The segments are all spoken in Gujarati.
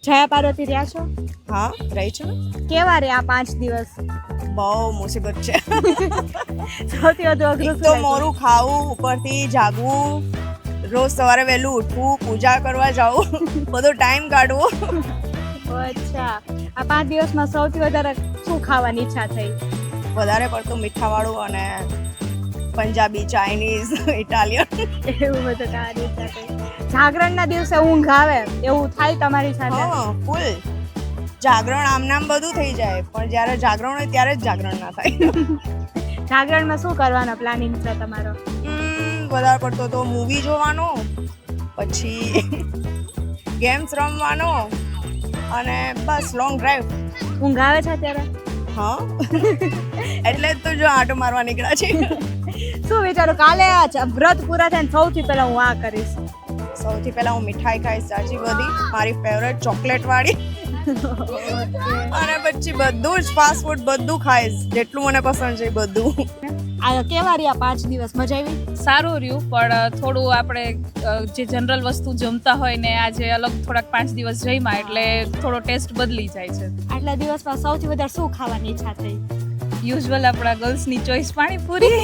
જયા પાર્વતી રહ્યા છો? હા, રહી છું ને. કેવા રહ્યા 5 દિવસ? બહુ મુસીબત છે. સૌથી વધુ અઘરું એક તો મોરું ખાવું, ઉપરથી જાગવું, રોજ સવારે વહેલું ઉઠવું, પૂજા કરવા જવું, બધો ટાઈમ કાઢવો. અચ્છા, આ 5 દિવસમાં સૌથી વધારે શું ખાવાની ઈચ્છા થઈ? વધારે પડતું મીઠાવાળું અને પંજાબી, ચાઇનીઝ, ઇટાલિયન. એવું બધું ખાવાની ઈચ્છા થઈ. જાગરણના દિવસે ઊંઘ આવે એવું થાય તમારી સાથે? હા, ફૂલ જાગરણ આમ નામ બધું થઈ જાય, પણ જ્યારે જાગરણ હોય ત્યારે જ જાગરણ ના થાય. જાગરણમાં શું કરવાનો પ્લાનિંગ છે તમારો? વધારે પડતો તો મૂવી જોવાનો, પછી ગેમ્સ રમવાનો અને બસ લોંગ ડ્રાઈવ. ઊંઘ આવે છે અત્યારે? હા, એટલે જ તો જો આંટો મારવા નીકળ્યા છે. શું વિચારો કાલે આ વ્રત પૂરા થાય ને સૌથી પહેલા હું આ કરીશ? સૌથી પહેલા હું મીઠાઈ ખાઈશ, સાચી બધી મારી ફેવરેટ ચોકલેટ વાળી. અને પછી બધું જ ફાસ્ટ ફૂડ બધું ખાઈશ, જેટલું મને પસંદ છે બધું. આ કેવા રહ્યા 5 દિવસ? મજા આવી? સારું રહ્યું, પણ થોડું આપણે જે જનરલ વસ્તુ જમતા હોય ને આજે અલગ થોડાક 5 દિવસ જમ્યા એટલે થોડો ટેસ્ટ બદલી જાય છે. આટલા દિવસમાં સૌથી વધારે શું ખાવાની ઈચ્છા થઈ? યુઝ્યુઅલ આપણા ગર્લ્સની ચોઈસ પાણીપુરી.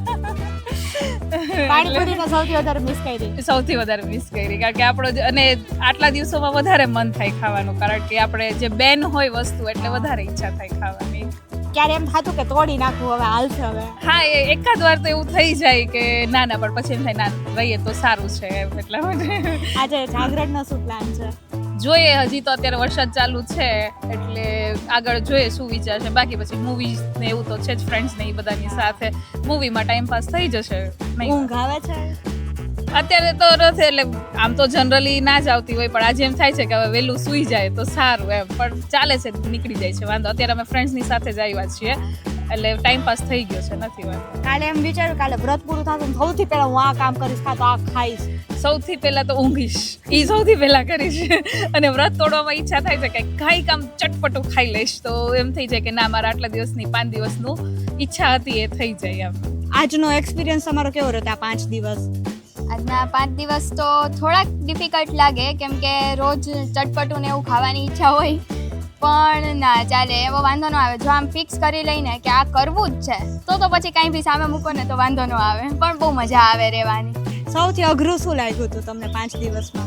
પાણીપુરીને સૌથી વધારે મિસ કરી? સૌથી વધારે મિસ કરી, કારણ કે આપણો અને આટલા દિવસોમાં વધારે મન થાય ખાવાનું, કારણ કે આપણે જે બેન હોય વસ્તુ એટલે વધારે ઈચ્છા થાય ખાવાની. ક્યારે એમ થતું કે તોડી નાખવું, હવે હાલશે હવે? હા, એકાદ વાર તો એવું થઈ જાય કે ના ના, પણ પછી એમ થાય ના રહીએ તો સારું છે એટલા માટે. આજે જાગરણનો શું પ્લાન છે? જોઈએ, હજી તો અત્યારે વરસાદ ચાલુ છે એટલે આગળ જોઈએ શું વિચાર છે. બાકી પછી મૂવીઝ ને એવું તો છે જ, ફ્રેન્ડ્સ ને એ બધાની સાથે મૂવીમાં ટાઈમ પાસ થઈ જશે. ઊંઘ આવે છે અત્યારે તો નથી, એટલે આમ તો જનરલી ના જ આવતી હોય, પણ આજે એમ થાય છે કે હવે વહેલું સૂઈ જાય તો સારું એમ, પણ ચાલે છે, નીકળી જાય છે વાંધો. અત્યારે અમે ફ્રેન્ડ્સની સાથે જ આવ્યા છીએ એટલે ટાઈમ પાસ થઈ ગયો છે, નથી વાંધો. કાલે એમ વિચાર્યું કાલે વ્રત પૂરું થશે ને સૌથી પહેલા હું આ કામ કરીશ, કાં તો આ ખાઈશ. સૌથી પહેલા તો ઊંઘીશ, એ સૌથી પહેલા કરીશ. અને વ્રત તોડવામાં ઈચ્છા થાય છે કે કાંઈ કામ ચટપટું ખાઈ લઈશ, તો એમ થઈ જાય કે ના, મારા આટલા દિવસની 5 દિવસનું ઈચ્છા હતી એ થઈ જાય એમ. આજનો એક્સપિરિયન્સ તમારો કેવો રહ્યો આ 5 દિવસ? આજના 5 દિવસ તો થોડાક ડિફિકલ્ટ લાગે, કેમ કે રોજ ચટપટું ને એવું ખાવાની ઈચ્છા હોય, પણ ના ચાલે, એવો વાંધો ન આવે. જો આમ ફિક્સ કરી લઈને કે આ કરવું જ છે તો પછી કાંઈ બી સામે મૂકો ને તો વાંધો ન આવે, પણ બહુ મજા આવે રહેવાની. સૌથી અઘરું શું લાગ્યું હતું તમને 5 દિવસમાં?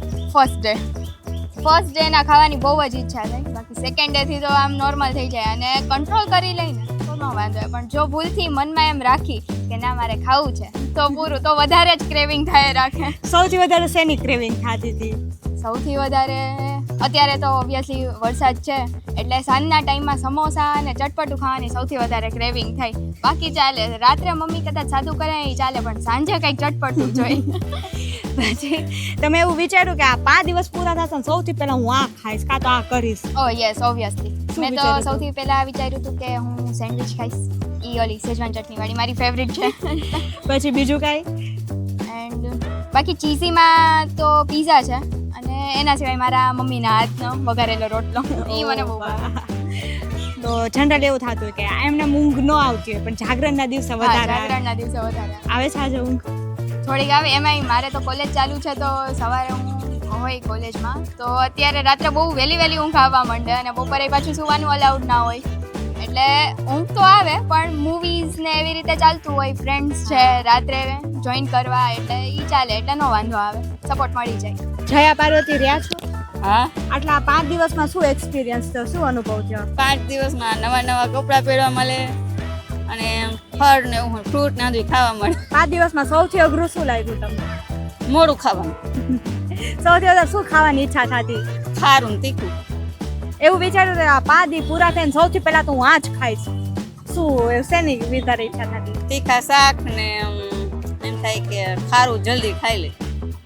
ફર્સ્ટ ડે ના ખાવાની બહુ જ ઈચ્છા થઈ, બાકી સેકન્ડ ડે થી તો આમ નોર્મલ થઈ જાય અને કંટ્રોલ કરી લઈને તો ન વાંધો આવે. પણ જો ભૂલથી મનમાં એમ રાખી કે ના મારે ખાવું છે તો પૂરું, તો વધારે જ ક્રેવિંગ થાય રાખે. સૌથી વધારે શેની ક્રેવિંગ થતી હતી? સૌથી વધારે અત્યારે તો ઓબ્વિયસલી વરસાદ છે એટલે સાંજના ટાઈમમાં સમોસા અને ચટપટું ખાવાની સૌથી વધારે ક્રેવિંગ થાય. બાકી ચાલે, રાત્રે મમ્મી કદાચ સાદું કરે એ ચાલે, પણ સાંજે કંઈક ચટપટું જોઈએ. પછી તમે એવું વિચાર્યું કે આ 5 દિવસ પૂરા થશે ને સૌથી પહેલા હું આ ખાઈશ, કાં તો આ કરીશ? ઓ યસ, ઓબ્વિયસલી મેં તો વિચાર્યું હતું? સૌથી પહેલા વિચાર્યું હતું કે હું સેન્ડવિચ ખાઈશ, ઈ ઓલી સેજવાન ચટણી વાળી મારી ફેવરિટ છે. પછી બીજું કાંઈ? એન્ડ બાકી ચીઝીમાં તો પીઝા છે, અને એના સિવાય મારા મમ્મીના હાથનો વઘારેલો રોટલો, એ મને બહુ ભાવે. તો જનરલ એવું થતું કે એમને ઊંઘ ન આવતી હોય, પણ જાગરણના દિવસે હા, વધારે જાગરણના દિવસે વધારે આવે છે. આજે ઊંઘ થોડીક આવે, એમાંય મારે તો કોલેજ ચાલુ છે તો સવારે હું હોય કોલેજમાં, તો અત્યારે રાત્રે બહુ વહેલી ઊંઘ આવવા માંડે અને બપોરે પાછું સુવાનું અલાઉડ ના હોય, એટલે ઊંઘ તો આવે, પણ મૂવીઝ ને એવી રીતે ચાલતું હોય, ફ્રેન્ડ્સ છે રાત્રે જોઈન કરવા, એટલે એ ચાલે, એટલે નો વાંધો આવે, સપોર્ટ મળી જાય. જયા પાર્વતી રહ્યા છો? હા, આટલા 5 દિવસમાં શું એક્સપિરિયન્સ થયો, શું અનુભવ થયો? 5 દિવસમાં નવા કપડાં પહેરવા મળે અને ફળ ને એવું ફ્રૂટ ને બધું ખાવા મળે. 5 દિવસમાં સૌથી અઘરું શું લાગ્યું તમને? મોડું ખાવાનું, સૌથી વધારે શું ખાવાની ઈચ્છા થતી? ખારું ને તીખું. એવું વિચાર્યું કે આ 5 દી પૂરા થઈને સૌથી પહેલા તો હું આ જ ખાઈશ, શું શેની વધારે ઈચ્છા થતી? તીખા શાક ને એમ થાય કે ખારું જલ્દી ખાઈ લે.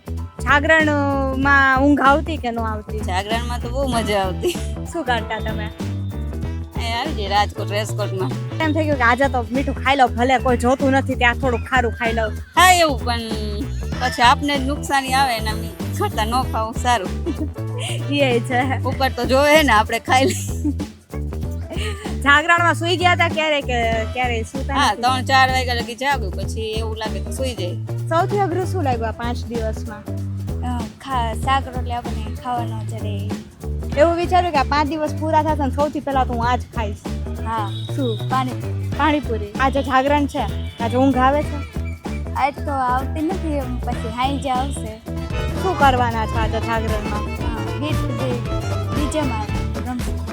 જાગરણમાં ઊંઘ આવતી કે ન આવતી? જાગરણમાં તો બહુ મજા આવતી. શું કરતા તમે? એ આવી જાય રાજકોટ રેસકોટમાં. એમ થઈ ગયું કે આજે તો મીઠું ખાઈ લઉં, ભલે કોઈ જોતું નથી ત્યાં થોડુંક ખારું ખાઈ લઉં. હા એવું, પણ પછી આપને જ નુકસાની આવે ને કરતા ન ખાવું સારું. એ છે, ઉપર તો જોવે ને આપણે ખાઈ લઈએ. જાગરણમાં સુઈ ગયા હતા ક્યારે કે ક્યારે સુતા? હા, નથી? 3-4 વાગ્યા લગી જાગું, પછી એવું લાગે તો સુઈ જાય. સૌથી અઘરું શું લાગ્યું આ 5 દિવસમાં? શાક રોટલી આપણને ખાવાનો જ્યારે એવું વિચાર્યું કે આ 5 દિવસ પૂરા થશે ને સૌથી પહેલા તો હું આ જ ખાઈશ. હા શું? પાણી પાણીપુરી. આજે જાગરણ છે, આજે ઊંઘ આવે છે? આજ તો આવતી નથી પછી હાઈ જ આવશે શું કરવાના છે આજે જાગરણમાં? ગીત ડીજેમાં રમશું